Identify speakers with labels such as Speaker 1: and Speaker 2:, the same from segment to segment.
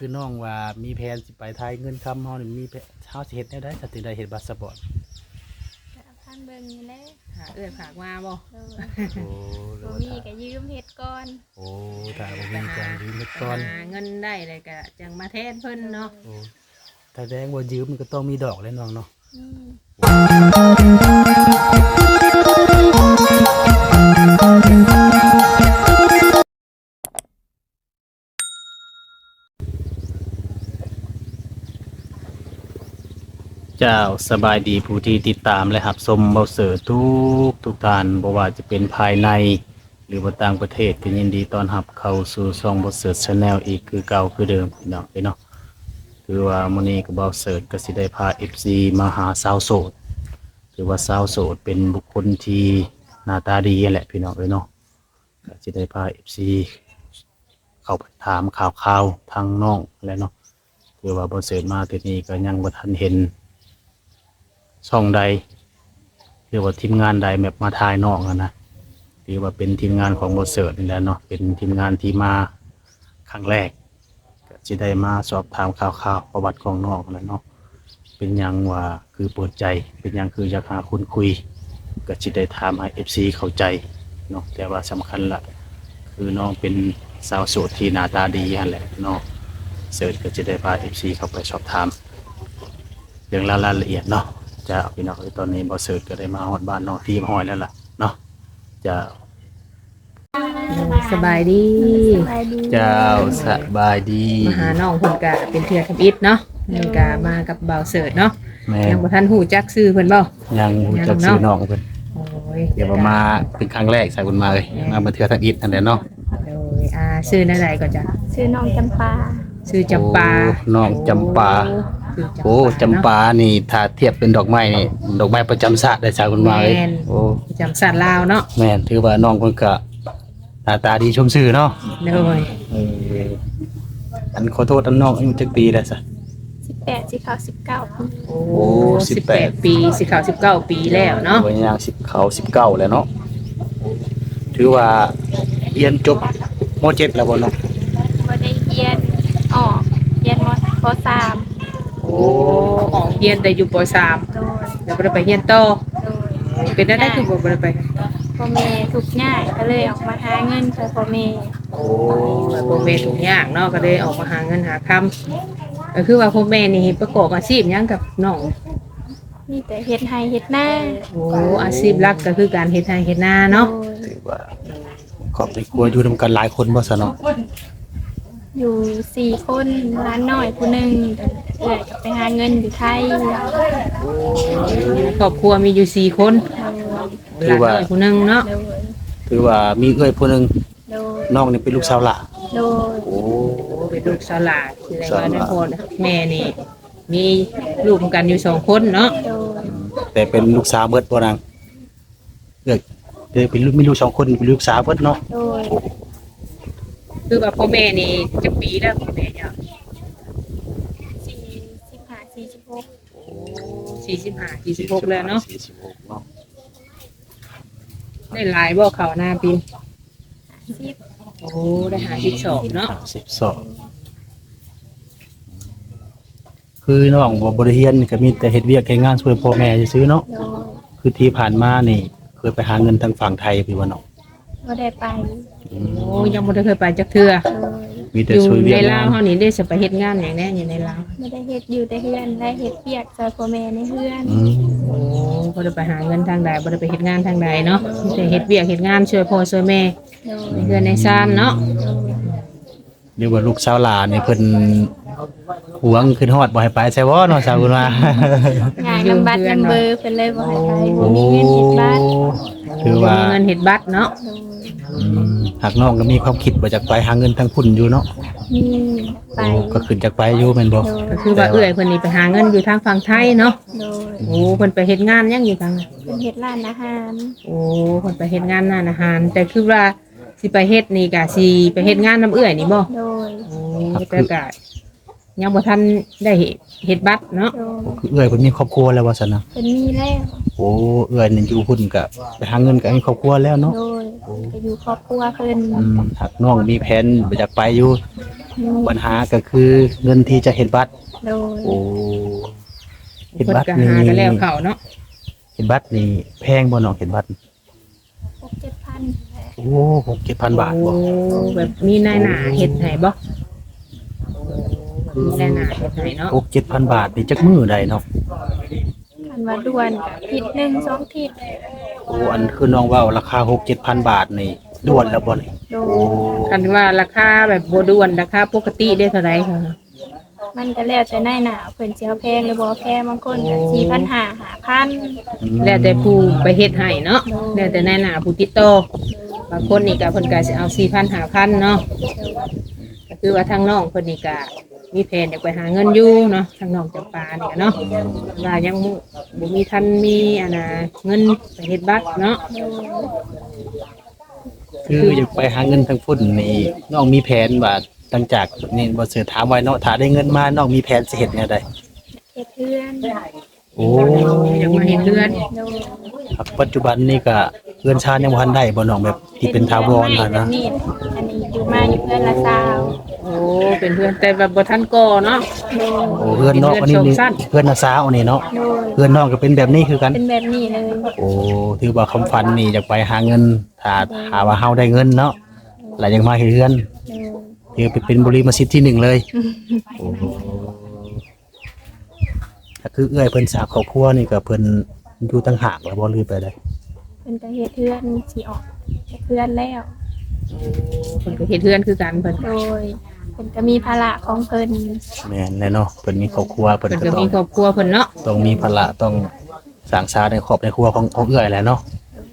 Speaker 1: คือน้องว่ามีแผนสิไปไทยเงินคำเฮานี่มีเฮาสิเฮ็ดแนวใดถ้าถึงได้เฮ็ดพาสปอร์ต
Speaker 2: ก็พันเบิ่งนี่แหละ
Speaker 3: หาฝากมาบ่
Speaker 2: โดย
Speaker 1: โอ้หรือ
Speaker 2: บ่
Speaker 1: ว่า
Speaker 2: มี
Speaker 1: ถ้า
Speaker 2: ก็ยืมเฮ็ดก่อน
Speaker 1: โอ้ถ้าบ่มีจังยืมเฮ็ดก่อน
Speaker 3: หาเงินได้เลยก็จังมาแทนเพิ่นเนาะ
Speaker 1: โอ้ถ้าแดงว่ายืมมันก็ต้องมีดอกแหล้วน้องเนาะ
Speaker 2: อืม
Speaker 1: เจ้าสบายดีผู้ที่ติดตามและรับชมเบาเสือทุกท่านบ่ว่าจะเป็นภายในหรือว่าต่างประเทศก็ยินดีต้อนรับเข้าสู่ช่องเบาเสือ Channel อีกคือเก่าคือเดิมพี่น้องเนาะคือว่ามื้อนี้ก็เบาเสือก็สิได้พา FC มาหาสาวโสดถือว่าสาวโสดเป็นบุคคลที่หน้าตาดีแหละพี่น้องเนาะก็สิได้พา FC เข้าไปถามข่าวๆทางน้องแหละเนาะคือว่าเบาเสือมาที่นี่ก็ยังบ่ทันเห็น ช่องใดหรือว่าทีมงานใดแบบมาถ่ายนอกนะหรือว่าเป็นทีมงานของบทเสิร์ตนี่แหละเนาะเป็นทีมงานที่มาครั้งแรกก็จะได้มาสอบถามข่าวๆประวัติของนอกแล้วเนาะเป็นหยังว่าคือเปิดใจเป็นหยังคืออยากหาคนคุยก็จะได้ถามให้ FC เข้าใจเนาะแต่ว่าสำคัญละคือน้องเป็นสาวโสดที่หน้าตาดีนั่นแหละเนาะเสิร์ตก็จะได้พา FC เข้าไปสอบถามเรื่องรายละเอียดเนาะจะพี่น้องตอนนี้บอสเสิร์ตก็ได้มาฮอดบ้านน้องทีมห้อยแล้วล่ะเนาะจะ
Speaker 3: สบายดี
Speaker 2: สบายดี
Speaker 1: เจ้าสบายดี
Speaker 3: มาหาน้องเพิ่นก็เป็นเทื่อทำอิฐเนาะนี่ก็มากับบ่าวเสิร์ชเนาะ
Speaker 1: แม่
Speaker 3: ยังบ่ทันฮู้จักชื่อเพิ่นบ่
Speaker 1: ยังรู้จักชื่อน้องเพิ่น
Speaker 3: โอ้ย
Speaker 1: เดี๋ยวมาเป็นครั้งแรกใส่บุญมาเลยมาบันเทือทางอิฐนั่นแหละเนาะ
Speaker 3: โดยชื่อนั่นใดก็จ้ะ
Speaker 2: ชื่อน้องจำปา
Speaker 3: ชื่อจำปา
Speaker 1: โอ้น้องจำปา
Speaker 3: ชื่
Speaker 1: โอ้จำปานี่ถ้าเทียบเป็นดอกไม้นี่ดอกไม้ประจำชาติได้ใส่บุญมาเลย
Speaker 3: แม่น
Speaker 1: โอ้
Speaker 3: จำสัตว์ลาวเนาะ
Speaker 1: แม่นถือว่าน้องเพิ่นก็หน้าตาดีชมชื่อเนาะ
Speaker 3: โดย
Speaker 1: เอออันขอโทษอันน้องอายุจักปีแล้วซะ
Speaker 2: 18สิเข้า19ปี
Speaker 3: โอ้18 ปีสิเข้า19 ปีแล้วเนาะ
Speaker 1: วัยย่าง10เข้า19แล้วเนาะถือว่าเรียนจบม .7 แล้วบ่เนาะ
Speaker 2: บ่ได้เรียนออกเรียนมปสาม
Speaker 3: โอ้ออกเรียนได้อยู่ป .3
Speaker 2: โดย
Speaker 3: แล้วบ่ได้ไปเรียนต่อ
Speaker 2: โดย
Speaker 3: เป็นได้คือบ่ได้ไป
Speaker 2: พ่อแม่ทุกข์ยากก็เลยออกมาหาเงินช่วยพ่อแม่
Speaker 3: โอ้พ่อแม่ทุกอย่างเนาะก็เลยออกมาหาเงินหาคำก็คือว่าพ่อแม่นี่ประกอบอาชีพหยังกับน้อง
Speaker 2: มีแต่เฮ็ดให้เฮ็ดหน้า
Speaker 3: โอ้อาชีพหลักก็คือการเฮ็ดไร่เฮ็ดนาเนาะ
Speaker 2: โดย
Speaker 1: ถือว่าครอบครัวอยู่นำกันหลายคนบ่ซะเนาะ
Speaker 2: อยู่4คนร้านน้อยผู้หนึงเอื้อยก็ไปหาเงินอยู่ไทย
Speaker 3: ครอบครัวมีอยู่4คนหลานน้อยผู้หนึงเนาะ
Speaker 2: โดย
Speaker 1: ถือว่ามีเอื้อยผู้หนึง
Speaker 2: โดย
Speaker 1: น้องนี่เป็นลูกสาวหล่ะ
Speaker 2: โดย
Speaker 1: โอ้
Speaker 3: เป็นลูกสาวหลานแสดงว่าในพ่อแม่นี่มีลูกเหมือนกันอยู่2คนเนาะ
Speaker 2: โดย
Speaker 1: แต่เป็นลูกสาวเบิดบ่นางเอ้ยเด้เป็นลูกมีลูก2คนเป็นลูกสาวเบิดเนาะ
Speaker 2: โดย
Speaker 3: คือว่าพ่อแม่นี่จักปีแล้วพ่อแม่เนี่ย
Speaker 2: 45 46
Speaker 3: 45 46แล้วเนาะ
Speaker 1: 46เนาะ
Speaker 3: ได้หลายบ่เขาหน้าปี
Speaker 2: 10
Speaker 3: โอ้ได้52เนาะ
Speaker 1: 52คือน้องบ่ได้เรียนก็มีแต่เฮ็ดเวียกเฮ็ดงานช่วยพ่อแม่ซื่อๆเนาะ
Speaker 2: โดย
Speaker 1: คือที่ผ่านมานี่เคยไปหาเงินทางฝั่งไทยพี่ว่าเนาะ
Speaker 2: บ่ได้ไป
Speaker 3: โอ้ยังบ่ได้เคยไปจักเทื่อ
Speaker 2: โดย
Speaker 1: มีแต่
Speaker 3: อยู่
Speaker 1: ช่วยเวีย
Speaker 3: ใน
Speaker 1: ก
Speaker 3: ลาง
Speaker 1: าว น
Speaker 3: เฮานี่ได้สิไปเฮ็ดงานหยังแน่อยู่ในลาว
Speaker 2: ไม่ได้เฮ็ดอยู่แต่เฮือนได้เฮ็ดเปียกซอยพ่อแม่ในเฮือน
Speaker 1: อืม
Speaker 3: โอ้บ่ได้ไปหาเงินทางใดบ่ได้ไปเฮ็ดงานทางใดเนาะมีแต่เฮ็ดเวียกเฮ็ดงานช่วยพ่อช่วยแม่
Speaker 2: โด
Speaker 3: ใน
Speaker 2: ย
Speaker 3: เฮือนในซ่านเนาะ
Speaker 1: เรียกว่าลูกสาวหลานนี่เพิ่นหวงขึ้นฮอดบ่ให้ไปใช่บ่เนาะสาวบุญมา
Speaker 2: งานนำบัตรนำเบอร์เพิ่นเลยบ่ให้ไปบ่มีเงินเฮ็ดบัตร
Speaker 1: คือว่า
Speaker 3: มีเงินเฮ็ดบัตรเนาะ
Speaker 2: โดย
Speaker 1: หากน้องก็มีความคิดว่าจะไปหาเงินทางพุ่นอยู่เนาะ
Speaker 2: มีไป
Speaker 1: โอ้ก็ขึ้นจากไปอยู่แม่นบ่
Speaker 2: โดย
Speaker 3: ก็คือว่าเอื้อยเพิ่นนี่ไปหาเงินอยู่ทางฝั่งไทยเนาะ
Speaker 2: โดย
Speaker 3: โอ้เพิ่นไปเฮ็ดงานหยังอยู่ทางนั้น
Speaker 2: เพิ่นเฮ็ดร้านอาหาร
Speaker 3: โอ้เพิ่นไปเฮ็ดงานร้านอาหาร แต่คือว่าสิไปเฮ็ดนี่ก็สิไปเฮ็ดงานนํเอื้อยนี่บ่
Speaker 2: โดย
Speaker 3: โอ้แต่ก็ยังบ่ทันได้เฮ็ดบัตรเนาะ
Speaker 2: โดย
Speaker 1: คือเอื้อยเพิ่นมีครอบครัวแล้วว่าซั่นนะ
Speaker 2: เพิ่นมีแล้ว
Speaker 1: โอ้เอื้อยนี่อยู่พุ่นก็ไปหาเงินก็มีครอบครัวแล้วเนาะ
Speaker 2: โดยก็อยู่ครอบครัวเพิ่น
Speaker 1: หากน้องมีแผนอยากไปอยู่
Speaker 2: มี
Speaker 1: ปัญหาก็คือเงินที่จะเฮ็ดบัตร
Speaker 2: โดย
Speaker 1: โอ้เฮ็ด
Speaker 3: เพิ่น
Speaker 1: บัตร
Speaker 3: ก็
Speaker 1: นี่
Speaker 3: หากันแล้วเข้าเนาะ
Speaker 1: เฮ็ดบัตรนี่แพงบ่น้องเฮ็ดบัตร
Speaker 2: 6-7,000
Speaker 1: โอ้6-7,000 บาทบ่
Speaker 3: โอ้แบบมีนายหน้าเฮ็ดให้บ่มีนายหน้าเฮ็ดให้เนาะ
Speaker 1: 6-7,000 บาทนี่จักมื้อใดเนาะ
Speaker 2: คันว่าด่วนก็อาทิตย์หนึง2ทิศ
Speaker 1: โอ้อันคือน้องเว้าราคา 6-7,000 บาทนี่ด่วนแล้วบ่นี่
Speaker 2: โด
Speaker 1: โอ้
Speaker 2: ย
Speaker 3: คันว่าราคาแบบบ่ด่วนราคาปกติได้เท่าไหร่คะ
Speaker 2: มันก็แล้วแต่นายหน้าเพิ่นสิเอาแพงหรือบ่แพงบางคนก็4,500 5,000
Speaker 3: แล้วแต่ผู้ไปเฮ็ดให้เนาะแล้วแต่นายหน้าผู้ติดต่อบางคนนี่ก็เพิ่นก็สิเอา 4,000 5,000เนาะก็คือว่าทางน้องเพิ่นนี่ก็มีแผนอยากไปหาเงินอยู่เนาะทางน้องจำปานี่ก็เนาะว่ายังบ่มีทันมีอันน่ะเงินไปเฮ็ดบัตรเนาะ
Speaker 1: คืออยากไปหาเงินทางพุ่นนี่น้องมีแผนว่าหลังจากนี่บ่เสือถามไว้เนาะถ้าได้เงินมาน้องมีแผนสิเฮ็ดแนวใด
Speaker 2: เฮ็ดเพื่อน
Speaker 1: โอ้
Speaker 3: อยากมาเฮ็ดเรือน
Speaker 2: โดย
Speaker 1: ครับปัจจุบันนี่ก็เรือนชานยังบ่ทันได้บ่น้องแบบที่เป็นถาวร
Speaker 2: อั
Speaker 1: น่ะ
Speaker 2: น
Speaker 1: นะ
Speaker 2: นี้อันนี้อยู่มาอยู่เพื่อนละซาว
Speaker 3: โอ้เป็นเพื่อนแต่แบบบ่ทันก่อเนาะ
Speaker 2: โดย
Speaker 1: โอ้เรือนนอกอันนี้นี่
Speaker 3: เรือนชมสั้น
Speaker 1: เรือนนาสาวนี่เนาะ
Speaker 2: โดย
Speaker 1: เรือนนอกก็เป็นแบบนี้คือกัน
Speaker 2: เป็นแบบนี้เลย
Speaker 1: โอ้ถือว่าคำฝันนี่อยากไปหาเงินถ้าว่าเฮาได้เงินเนาะแล้วยังมาเฮ็ดเรือน
Speaker 2: โดย
Speaker 1: ถือเป็นบริมาสิทธิ์ที่หนึ่งเลยโอ้ถ้าคือเอื้อยเพิ่นสร้างครอบครัวนี่ก็เพิ่นอยู่ต่างหากแล้วบ่ลืมไปได้
Speaker 2: เพิ่นก็เฮ็ดเพื่อนสิออกจากเพื่อนแล้ว
Speaker 3: เพิ่นก็เฮ็ดเรือนคือกันเพิ่น
Speaker 2: โดยเพิ่นก็มีภาระของเพิ่น
Speaker 1: แม่นแน่เนาะเพิ่นมีครอบครัวเพิ่น
Speaker 3: เพิ่น
Speaker 1: ก็
Speaker 3: ก็
Speaker 1: ต้อ
Speaker 3: มี
Speaker 1: ง
Speaker 3: ครอบครัวเพิ่นเนาะ
Speaker 1: ต้องมีภาระต้องสร้างสาในครอบในครัวของเอื้อยแหละเนาะ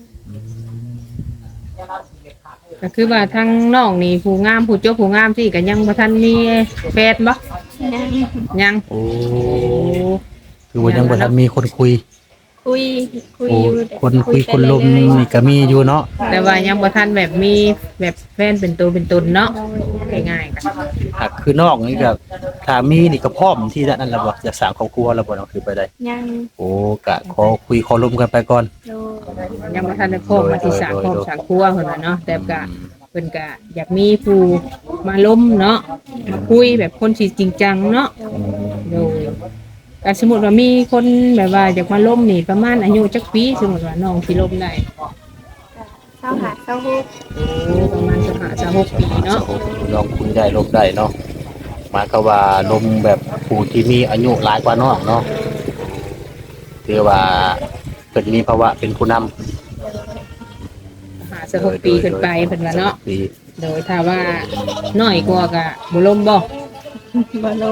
Speaker 3: ก็คือว่าทั้งน้องนี่ผู้งามผู้จบผู้งามที่ก็ยังบ่ทันมีแฟนบ่
Speaker 2: นั่ง
Speaker 3: ยัง
Speaker 1: โอ้คือว่ายังบ่ทันมีคนคุย
Speaker 2: คุย
Speaker 1: โอ้
Speaker 2: อยู่
Speaker 1: คนคุย
Speaker 2: ไป
Speaker 1: คนลม
Speaker 2: เรื่อย
Speaker 1: นี่ก็มีอยู่เนาะ
Speaker 3: แต่ว่ายังบ่ทันแบบมีแบบแฟนเป็นตัวเป็นตนเนาะง่ายๆกัน
Speaker 1: หากคือนอกนี่ก็ถ้ามีนี่ก็พร้อมที่จะนั่นแหละบ่จะสร้างครอบครัวแล้วบ่เนาะคือไปได้
Speaker 2: ๆยัง
Speaker 1: โอ้กะขอคุยขอลมกันไปก่อน
Speaker 2: โดย
Speaker 3: ยังบ่ทันได้พร้อมมาที่สร้างครอบสร้างครัวเพิ่นว่าเนาะแต่ก็เพิ่นก็อยากมีผู้มาล้มเนาะมาคุยแบบคนที่จริงจังเนาะ โดยการสมมติว่ามีคนแบบว่าอยากมาล้มนี่ประมาณอายุจักปีสมมติว่าน้องสิล้มได้
Speaker 2: เศร้าหาเศร้าฮุก
Speaker 3: ประมาณ25-26ปีเนาะ
Speaker 1: ลองคุยได้ลมได้เนาะหมายก็ว่าลมแบบผู้ที่มีอายุหลายกว่าน้องเนาะถือว่าเพิ่นมีภาวะเป็นผู้นำ
Speaker 3: 26ปีขึ้นไปเพิ่นว่าเนาะ
Speaker 1: ปี
Speaker 3: โดยถ้าว่าน้อยกว่าก็บ่ล้มบ่
Speaker 2: บ่ลง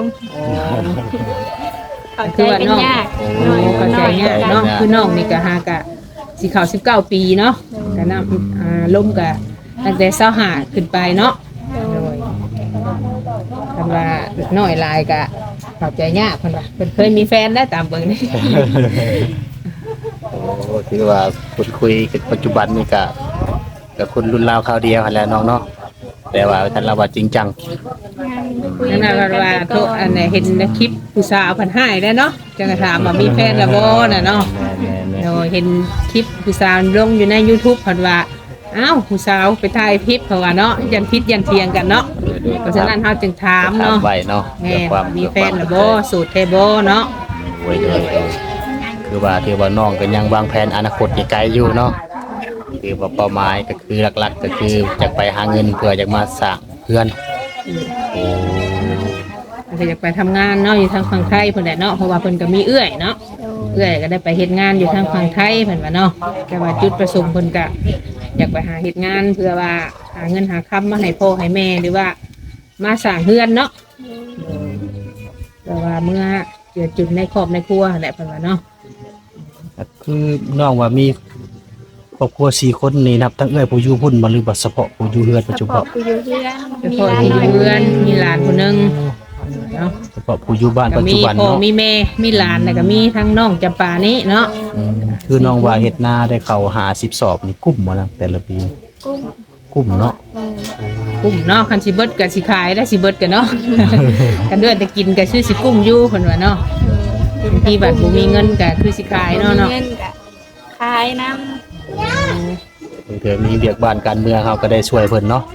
Speaker 2: เข้าใจ
Speaker 3: คือว่า
Speaker 2: กัน
Speaker 3: น้อง
Speaker 2: ยาก
Speaker 3: โอ้เข้าใจยากเนาะคือน้องนี่ก็หากะสิเข้า19ปีเนาะก็นำล้มก็ตั้งแต่25ขึ้นไปเนาะโดยคำว่าน้อยหลายก็เข้าใจยากเพิ่นว่าเพิ่นเคยมีแฟนแล้วตามเบิ่งนี่
Speaker 1: โอ้ถือว่าคนคุยกันปัจจุบันนี่ก็คนรุ่นราวคราวเดียวหั่นแหละน้องเนาะแต่ว่าท่านเราว่าจริงจัง
Speaker 3: นั่นน่ะว่าโทษอันไหนเห็นในคลิปผู้สาวเพิ่นให้ได้เนาะจังก็ถามว่ามีแฟนแล้วบ่น่ะเนาะ
Speaker 1: แม่น
Speaker 3: โดยเห็นคลิปผู้สาวลงอยู่ใน YouTube เพิ่นว่าอ้าวผู้สาวไปถ่ายคลิปเพราะว่าเนาะยันพิษยันเทียงกันเนาะเพราะฉะนั้นเฮาจึงถาม
Speaker 1: ถาม
Speaker 3: เนาะ
Speaker 1: ไว้เนาะ
Speaker 3: แม่
Speaker 1: เพื่อความ
Speaker 3: มีแฟนแล้วบ่โสูตรแท้บ่เนาะ
Speaker 1: โอ้ยคือว่าถือว่าน้องก็ยังวางแผนอนาคตอีกไกลอยู่เนาะคือว่าเป้าหมายก็คือหลักๆ ก็คือจะไปหาเงินเพื่อจะมาสร้างเพื่อนโอ้
Speaker 3: ก็อยากไปทำงานเนาะอยู่ทางฝั่งไทยเพิ่นแหละเนาะเพราะว่าเพิ่นก็มีเอื้อยเนาะเอื้อยก็ได้ไปเฮ็ดงานอยู่ทางฝั่งไทยเพิ่นว่าเนาะแต่ว่าจุดประสงค์เพิ่นก็อยากไปหาเฮ็ดงานเพื่อว่าหาเงินหาค้ำมาให้พ่อให้แม่หรือว่ามาสร้างเฮือนเนาะแต่ว่าเมื่อเกิดจุดในครอบในครัวแหละเพิ่นว่าเนาะ
Speaker 1: คือน้องว่ามีครอบครัว4คนนี่นับทั้งเอ้อยผู้อยู่พุ่นบ่หรือว่าเฉพาะผู้อยู่เฮือนปัจ
Speaker 2: เฉ
Speaker 1: จุบั
Speaker 2: พาะ
Speaker 1: น
Speaker 2: ผู้อยู่เพื่อน
Speaker 3: เฉ
Speaker 2: มี
Speaker 3: พาะ
Speaker 2: หลาน
Speaker 3: ที่
Speaker 2: น้อย
Speaker 3: เพื่อนมีหลานคนนึงเนาะ
Speaker 1: เฉพาะผู้อยู่บ้าน
Speaker 3: ก็
Speaker 1: ปัจ
Speaker 3: มี
Speaker 1: จุบัน
Speaker 3: พ่อ
Speaker 1: เนาะ
Speaker 3: มีแม่มีหลานแล้วก็มีทั้งน้องจำปานี้เนาะ
Speaker 1: คือน้องว่าเฮ็ดนาได้เข้า50สอบนี่กุ้มบ่นะแต่ละปี
Speaker 2: กุ้ง
Speaker 1: กุ้มเนาะ
Speaker 3: กกุ้มเนาะคันสิเบิดก็สิขายได้สิเบิดก็เนาะ กันเดือนแต่กินก็ชื่อสิกุ้มอยู่เพิ่นว่าเนาะบางทีบัดบ่มีเงินก็คือสิขายเนาะ
Speaker 2: มี
Speaker 3: เนาะ
Speaker 2: เงินก็ขายน้
Speaker 1: บางเทื่อมีเวียกบ้านการเมืองเฮาก็ได้ช่วยเพิ่นเนาะ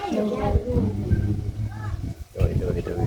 Speaker 2: ำโดย
Speaker 1: โดย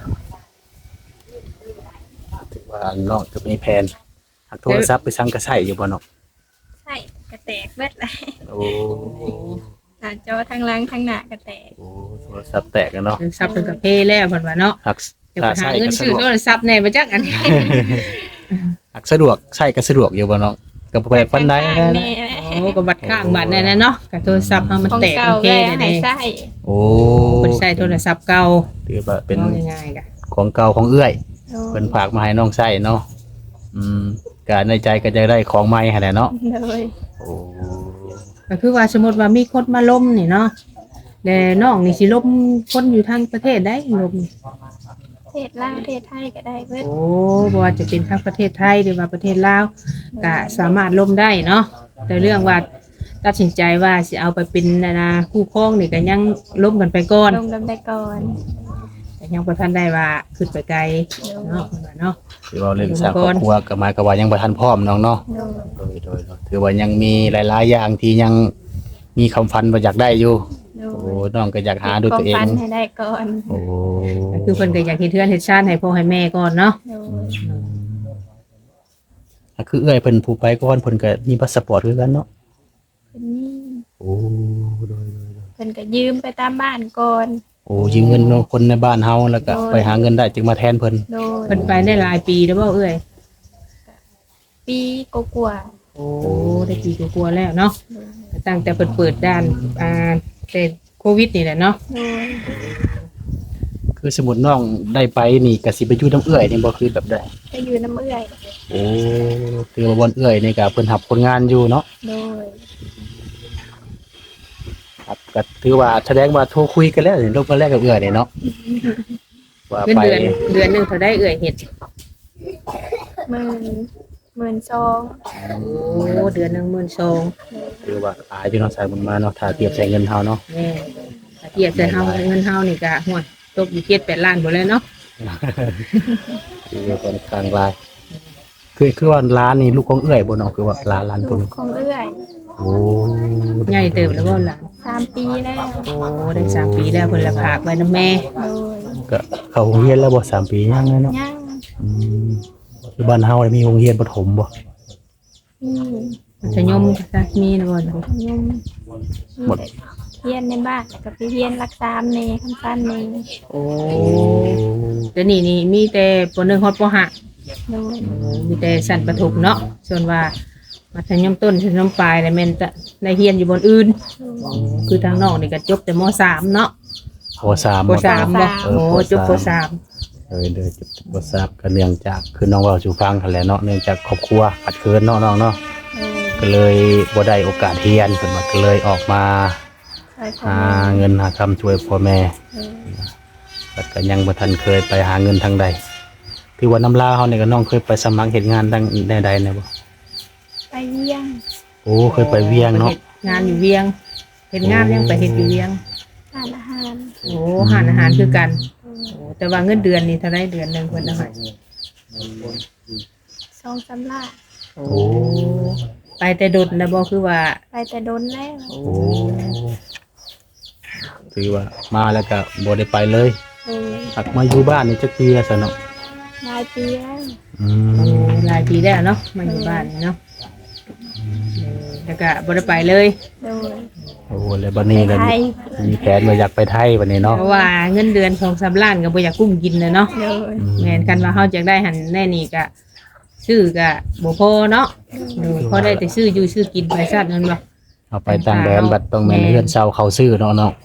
Speaker 1: ถือว่าน้องจะมีแผนหักโทรศัพท์ไปสั่งกระใส่อยู่บ่เนาะ
Speaker 2: ใช่กระแตกเบิดเลย
Speaker 1: โอ้
Speaker 2: หน้าจอทั้งหลังทั้งหน้ากระแตก
Speaker 1: โอ้โทรศัพท์แตกแล้วเนาะ
Speaker 3: โทรศัพท์เพิ่นก็เพแล้วเพิ่นว่าเนาะ
Speaker 1: หัก
Speaker 3: เดี๋ยว
Speaker 1: ถ้า
Speaker 3: ไปหา
Speaker 1: ใช้
Speaker 3: เงิ
Speaker 1: ก็
Speaker 3: น
Speaker 1: สะ
Speaker 3: ซื้อ
Speaker 1: ดวก
Speaker 3: โทรศัพท์แหน่บ่จักอันนี้
Speaker 1: หักสะดวกใช้ก็สะดวกอยู่บ่เนาะก็บ่แปลกปานใดนะ
Speaker 2: แม่
Speaker 3: โอ้ก็บัตรข้างบัตรนั่นน่ะเนาะก็โทรศัพท์เฮามัน
Speaker 2: ของ
Speaker 3: แตก
Speaker 2: เก่า
Speaker 3: มันเพ
Speaker 2: แม่
Speaker 3: ได้
Speaker 2: ให้
Speaker 3: เด้
Speaker 2: ใส่
Speaker 1: โอ้
Speaker 3: เพิ่นใช้โทรศัพท์เก่า
Speaker 1: ถือว่าเป็น
Speaker 3: เอาง่ายๆก็
Speaker 1: ของเก่าของเอื้อย
Speaker 2: โด
Speaker 1: เพิ่
Speaker 2: ย
Speaker 1: นฝากมาให้น้องใช้เนาะก็ในใจก็จะได้ของใหม่หั่นแหละเนาะ
Speaker 2: โดย
Speaker 1: โอ้
Speaker 3: ก็คือว่าสมมุติว่ามีคนมาล้มนี่เนาะแล้วน้องนี่สิล้มคนอยู่ทางประเทศได้ล้มนี่
Speaker 2: เทศลาวเทศไทยก็ได้เบิด
Speaker 3: โอ้บ่ว่าจะเป็นทางประเทศไทยหรือว่าประเทศลาวก็สามารถล้มได้เนาะแต่เรื่องว่าตัดสินใจว่าสิเอาไปเป็นคู่ครองนี่ก็ยังล้มกันไปก่อน
Speaker 2: ลงดำได้ก่อน
Speaker 3: แต่ยังบ่ทันได้ว่าขึ้นไปไกลเนาะเนาะ
Speaker 1: ถือว่าเรื่องสร้างครอบครัวก็หมายก็ว่ายังบ่ทันพร้อมน้องเนาะ
Speaker 2: โดย
Speaker 1: โดยถือว่ายังมีหลายๆอย่างที่ยังมีคำฝันว่าอยากได้อยู่
Speaker 2: โด
Speaker 1: โอ้
Speaker 2: ย
Speaker 1: น้องก็อยากหาด้วยตัวเอง
Speaker 2: ความฝันให้ได้ก่อน
Speaker 1: โอ้
Speaker 3: ก็คือเพิ่นก็อยากเฮ็ดเทือนเฮ็ดชาติให้พ่อให้แม่ก่อนเนาะ
Speaker 2: โดย
Speaker 1: คือเอื้อยเพิ่นผู้ไปก่อนเพิ่นก็มีพาสปอร์ตคือกันเนาะ
Speaker 2: เป็นนี่
Speaker 1: โอ้โดย
Speaker 2: เพิ่นก็ยืมไปตามบ้านก่อน
Speaker 1: โอ้ยืมเงินคนในบ้านเฮาแล้วก็ไปหาเงินได้จึงมาแทนเพิ่น
Speaker 2: โดย
Speaker 3: เพิ่นไปได้หลายปีแล้วบ่เอ้ย
Speaker 2: ปีกว่า
Speaker 3: โอ้ได้ปีกว่าๆแล้วเนาะตั้งแต่เปิดด้านแต่โควิดนี่แหละเนาะ
Speaker 2: ๆโดย
Speaker 1: คือสมมุติน้องได้ไปนี่ก็สิไปอยู่น้ำเอื้อยนี่บ่คือแบบใด
Speaker 2: ก็อยู่น้ำเอื้อย
Speaker 1: โอ้คือว่าบ่อนเอื้อยนี่ก็เพิ่นรับคนงานอยู่เนาะ
Speaker 2: โดย
Speaker 1: ครับก็ถือว่าแสดงว่าโทรคุยกันแล้วนี่ลงมาแรกกับเอื้อยนี่เนาะว่า
Speaker 3: เงิน
Speaker 1: ไป
Speaker 3: เดือนหนึงเท่าได้เอ้ยเฮ็ด
Speaker 2: 12,000
Speaker 3: โอ้เดือนหนึง12,000
Speaker 1: คือว่าอายพี่น้องสายบุญมาเนาะถ้าเทียบใช้เงินเฮาเนาะ
Speaker 3: แม่ถ้าเทียบใส่เฮาเงินเฮานี่ก็ห่วยตกอยู่7-8ล้านบ่เลยเนาะ
Speaker 1: คือค่อนข้างหลายคือว่าร้านนี่ลูกของเอื้อยบ่เนาะคือว่าร้าน
Speaker 2: ลู
Speaker 1: พุ่น
Speaker 2: กของเอื้อย
Speaker 1: โอ้
Speaker 3: ใหญ่เติบแล้วบ่ล่ะ
Speaker 2: 3 ปีแล้ว
Speaker 3: โอ้ได้3ปีแล้วเพิ่นละฝากไว้นำแม่
Speaker 2: โดย
Speaker 1: ก็เข้าโรงเรียนแล้วบ่3 ปียังเลยเนาะ
Speaker 2: ยัง
Speaker 1: อืมคือบ้านเฮานี่มีโรงเรียนประถมบ่
Speaker 2: นี่
Speaker 3: มัธยมซะมีนะบ่
Speaker 2: ยมหมดเฮียนในบ้านแล้วก็ไปเฮียนรักษาเนคำสั้นเน
Speaker 3: โอ้เดี๋ยวนี้นี่มีแต่ป .1 ฮอดป .5
Speaker 2: โดย
Speaker 3: มีแต่สั้นประถมเนาะส่วนว่ามัธยมต้นมัธยมปลายแล้วแม่นจะได้เรียนอยู่บนอื่น คือทางน้องนี่ก็จบแต่ม .3 เนาะ
Speaker 1: ป .3
Speaker 3: ป .3 บ่โอ้จบป
Speaker 1: เด้อจบป .3 ก็เนื่องจากคือน้องเว้าสู่ฟังหั่นแหละเนาะเนื่องจากครอบครัวขัดเคินเนาะน้องเนาะ
Speaker 2: โดย
Speaker 1: ก็เลยบ่ได้โอกาสเรียนเพิ่นว่าก็เลยออกมา
Speaker 2: ซอยพ่อ
Speaker 1: หา
Speaker 2: แม่
Speaker 1: เงินหาคำช่วยพ่อแม่
Speaker 2: โดย
Speaker 1: แต่ก็ยังบ่ทันเคยไปหาเงินทางใดที่ว่าน้ำลาวเฮานี่ก็น้องเคยไปสมัครเฮ็ดงานทางใดๆนะบ่
Speaker 2: ไปเยี่ยง
Speaker 1: โอ้เคยไปเวียง
Speaker 3: .3
Speaker 1: เนาะ
Speaker 3: เฮ็ดงานอยู่เวียงเฮ็ดงานยังไปเฮ็ดอยู่เวียง
Speaker 2: ทานอาหาร
Speaker 3: โอ้หารอาหารคือกันโอ้แต่ว่าเงินเดือนนี่เท่าไรเดือนหนึงเพิ่นเอาให้
Speaker 2: 2-3 ล้าน
Speaker 3: โอ้ไปแต่ดดนะบ่คือว่า
Speaker 2: ไปแต่โดนแล้ว
Speaker 3: โอ้
Speaker 1: โอ้ถือว่ามาแล้วก็บ่ได้ไปเลย
Speaker 2: โดย
Speaker 1: หักมาอยู่บ้านนี่จักปีแล้วซะเนาะ
Speaker 2: หลายปีแล้ว
Speaker 1: อืม
Speaker 3: หลายปีแล้วเนาะมาอยู่บ้านนี่เนาะแล้วก็บ่ได้ไปเลย
Speaker 2: โดย
Speaker 1: โอ้แล้วบัดนี้
Speaker 2: ไป
Speaker 1: ก็
Speaker 2: ไทย
Speaker 1: มีแผนว่าอยากไปไทยบัดนี้เนาะ
Speaker 3: เพราะว่าเงินเดือน2-3ล้านก็บ่อยากกุ้มกินเลยเนาะ
Speaker 2: โดย
Speaker 3: แม่นกันว่าเฮาอยากได้หันแน่นี่ก็ซื้อก็บ่พอเนาะพอได้แต่ซื้ออยู่ซื้อกินไปซะนั่นบ่
Speaker 1: เอาไปต่างแดนบัดต้องแม่นเฮือนเช่าเขาซื้อเนาะเนาะ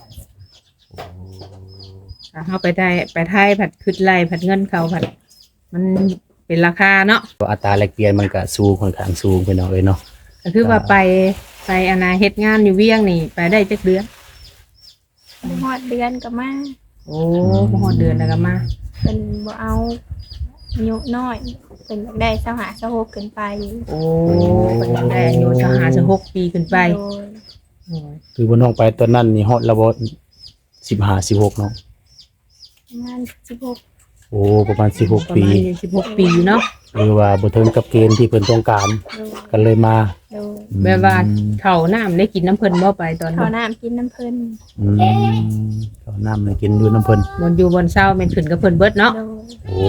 Speaker 3: ถ้าเฮาไปไทยผัดขึ้นไล่ผัดเงินเขาผัดมันเป็นราคาเนาะ
Speaker 1: อัตราแลกเปลี่ยนมันก็สูงค่อนข้างสูงไปหน่อยเนาะ
Speaker 3: ก็คือว่าไปอนาเฮ็ดงานอยู่เวียงนี่ไปได้จักเดือน
Speaker 2: ฮอดเดือนก็มา
Speaker 3: โอ้บ่ฮอดเดือนแล้วก็มา
Speaker 2: เป็นบ่เอาอายุน้อยเป็นอยากได้25-26ขึ้นไป
Speaker 3: โอ้เพิ่นยังได้อายุ25-26ปีขึ้นไป
Speaker 2: โดย
Speaker 3: โอ้ย
Speaker 1: คือบ่น้องไปตอนนั้นนี่ฮอดระบบ 15-16เนาะ
Speaker 2: ประมาณ16
Speaker 1: โอ้ประมาณ16
Speaker 3: ประ
Speaker 1: ปี
Speaker 3: มาณ16ปีเนาะ
Speaker 1: หรือว่าบ่ถึงกับเกณฑ์ที่เพิ่นต้องการ
Speaker 2: โดย
Speaker 1: กันเลยมา
Speaker 2: โดย
Speaker 3: แบบว่าข้าวน้ำได้กินน้ำเพิ่นบ่ไปตอน
Speaker 2: ข้า
Speaker 3: นั้
Speaker 2: วน น้ำกินน้ำเพิ่น
Speaker 1: อืมข้าวน้ำให้กินอยู่น้ำเพิ่น
Speaker 3: บนอยู่บนเศร้าแม่นขึ้นกับเพิ่นเบิดเนาะ
Speaker 2: โดย
Speaker 1: โอ้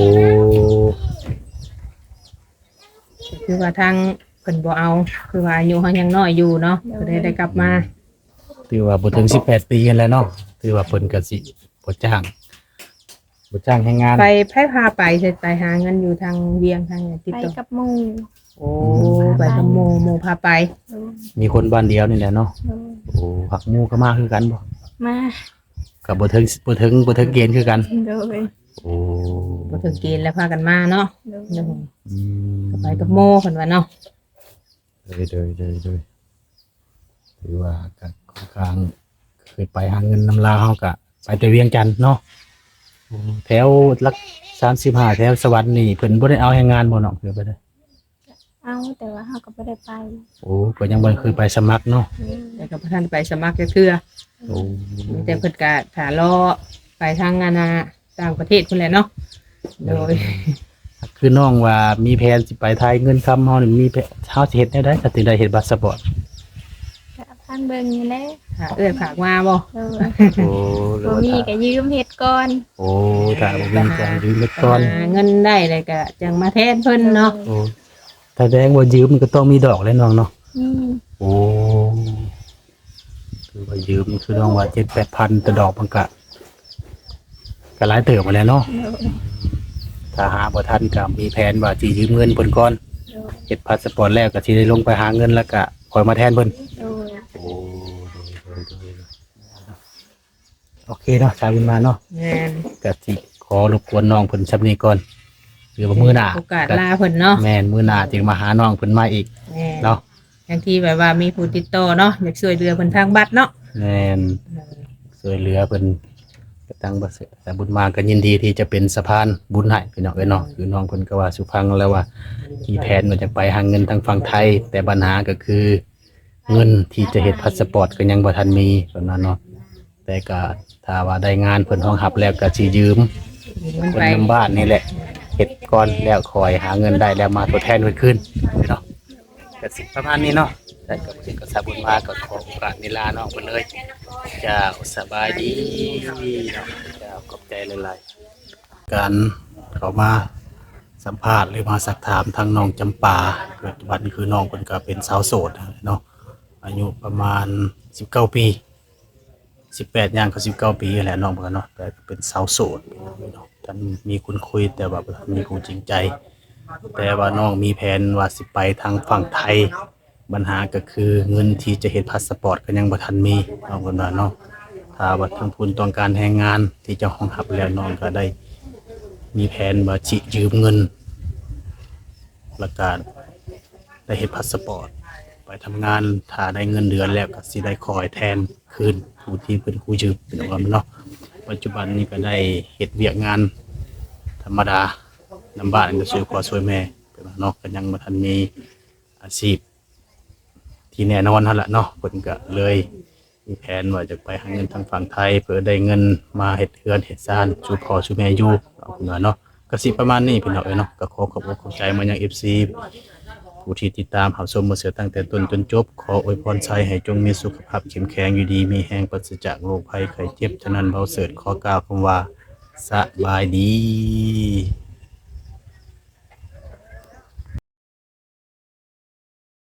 Speaker 3: คือว่าทางเพิ่นบ่เอาคือว่าอายุเฮายังน้อยอยู่เนาะก็ได้กลับมา
Speaker 1: ถือว่าบ่ถึง18 ปีกันแล้วเนาะถือว่าเพิ่นก็สิบ่จ้างให้งาน
Speaker 3: ไปไผพาไปเสร็จไปหาเงินอยู่ทางเวียงทางเนี่ยติด
Speaker 2: ไป
Speaker 3: ต่อ
Speaker 2: กับหมู่
Speaker 3: โอ้ไปกับหมู่พาไป
Speaker 2: โดย
Speaker 1: มีคนบ้านเดียวนี่แหละเนาะ
Speaker 2: โดย
Speaker 1: โอ้ผักหมู่ก็มาคือกันบ่
Speaker 2: มา
Speaker 1: ก็บ่ถึงเกณฑ์คือกัน
Speaker 2: โดย
Speaker 1: โอ้
Speaker 3: บ่ถึงเกณฑ์แล้วพากันมาเนาะ
Speaker 2: โดย
Speaker 3: เดี๋ยว
Speaker 1: อืม
Speaker 3: ไปกับหมู่เพิ่นว่าเนาะ
Speaker 1: เลยถือว่าก็ค่อนข้างเคยไปหาเงินนำลาวเฮาก็ไปแต่เวียงจันทน์เนาะแถวหลัก35แถวสวรรค์นี่เพิ่นบ่ได้เอาให้งานบ่เนาะคือบ่ได้
Speaker 2: เอาแต่ว่าเฮาก็บ่ได้ไป
Speaker 1: โอ้ก็ยังบ่เคยไปสมัครเนาะ
Speaker 3: แต่ก็บ่ทันไปสมัครจักเทื่อ
Speaker 1: โอ้
Speaker 3: มีแต่เพิ่นก็ถ้ารอไปทางงานต่างประเทศพุ่นแหละเนาะโดย
Speaker 1: คือน้องว่ามีแผนสิไปไทยเงินคำเฮานี่มีแผนเฮาสิเฮ็ดแนวใดถ้าถึงได้เฮ็ดพาสปอร์ต
Speaker 2: ก็พันเบิ่งนี่แหละ
Speaker 3: ถ้าเอื้อยฝากมาบ่
Speaker 2: โดย
Speaker 1: โอ้หรือ
Speaker 2: บ่
Speaker 1: ว่า
Speaker 2: มี
Speaker 1: ถ้า
Speaker 2: ก็ยืมเฮ็ดก่อน
Speaker 1: โอ้ถ้าบ่มีก็ยืมไว้ก่อน
Speaker 3: หาเงินได้เลยก็จังมาแทนเพิ่นเนาะ
Speaker 1: โอ้ถ้าแดงว่ายืมมันก็ต้องมีดอกแล้วน้องเนาะ
Speaker 2: นี่
Speaker 1: โอ้คือว่ายืมคือน้องว่า7-8,000แต่ดอกมันก็หลายเติบมาแล้วเนาะ
Speaker 2: โดย
Speaker 1: ถ้าหาบ่ทันก็มีแผนว่าสิยืมเงินเพิ่นก่อน
Speaker 2: โดย
Speaker 1: เฮ็ดพาสปอร์ตแล้วก็สิได้ลงไปหาเงินแล้วก็คอยมาแทนเพิ่น
Speaker 2: โดย
Speaker 1: โอ้โอเคเนาะชาววินมาเนาะ
Speaker 3: แม่น
Speaker 1: ก็สิขอรบกวนน้องเพิ่นชับนี้ก่อนหรือว่ามื้อหน้า
Speaker 3: โอกาสลาเพิ่นเนาะ
Speaker 1: แม่นมื้อหน้าจึงมาหาน้องเพิ่นมาอีก
Speaker 3: แม่น
Speaker 1: เนาะ
Speaker 3: บางทีแบบว่ามีผู้ติดต่อเนาะอยากช่วยเหลือเพิ่นทางบัตรเนาะ
Speaker 1: แม่นช่วยเหลือเพิ่นก็ตั้งบ่เสร็จแต่บุญมาก็ยินดีที่จะเป็นสะพานบุญให้พี่น้องเอ้ยเนาะคือน้องเพิ่นก็ว่าสุพังแล้วว่ามีแผนว่าจะไปหาเงินทางฝั่งไทย แต่ปัญหาก็คือเงินที่จะเฮ็ดพาสปอร์ตก็ยังบ่ทันมีตอนนั้นเนาะแต่ก็ถ้าว่าได้งานเพิ่นรองรับแล้วก็สิยืม
Speaker 3: มัน
Speaker 1: คน
Speaker 3: ไป
Speaker 1: นำบ้านนี่แหละเฮ็ดก่อนแล้วคอยหาเงินได้แล้วมาทดแทนเพิ่นขึ้นเนาะก็สิประมาณนี้เนาะแต่กับสิ่งก็สาบุญมาก็ขอโอกาสเวลาน้องเพิ่นเลยเจ้าสบายดีเจ้าขอบใจหลายๆการเข้ามาสัมภาษณ์หรือมาสักถามทางน้องจำปาปัจจุบันคือน้องเพิ่นก็เป็นสาวโสดเนาะอายุประมาณ19 ปี18ย่างเขา19 ปีแหละน้องเพิ่นเนาะแต่เป็นสาวโสดเนาะท่านมีคนคุยแต่ว่าบ่ทันมีผู้จริงใจ แต่ว่าน้องมีแผนว่าสิไปทางฝั่งไทยปัญหาก็คือเงินที่จะเฮ็ดพาสปอร์ตก็ยังบ่ทันมีน้องเพิ่นว่าเนาะถ้าว่าทางผู้ต้องการแรงงานที่จะรองรับแล้วน้องก็ได้มีแผนว่าสิยืมเงินแล้วก็ได้เฮ็ดพาสปอร์ตไปทำงานถ้าได้เงินเดือนแล้วก็สิได้คอยแทนคืนผู้ที่เพิ่นกู้ยืมเป็นว่าเนาะปัจจุบันนี้ก็ได้เฮ็ดเวียกงานธรรมดานำบ้านก็ช่วยพ่อช่วยแม่เป็นว่าเนาะก็ยังบ่ทันมีอาชีพที่แน่นอนหั่นล่ะเนาะเพิ่นก็เลยมีแผนว่าจะไปหาเงินทางฝั่งไทยเพื่อได้เงินมาเฮ็ดเรือนเฮ็ดซ่านสู่พ่อสู่แม่อยู่เอาเพิ่นว่าเนาะก็สิประมาณนี้พี่น้องเอ้ยเนาะก็ขอขอบอกขอบใจมายัง FC ผู้ที่ติดตามรับชมมาเสียตั้งแต่ต้นจนจบขออวยพรชัยให้จงมีสุขภาพเข้มแข็งอยู่ดีมีแรงปราศจากโรคภัยไข้เจ็บฉะนั้นเบาเสิร์ชขอกล่าวคำว่าสบายดี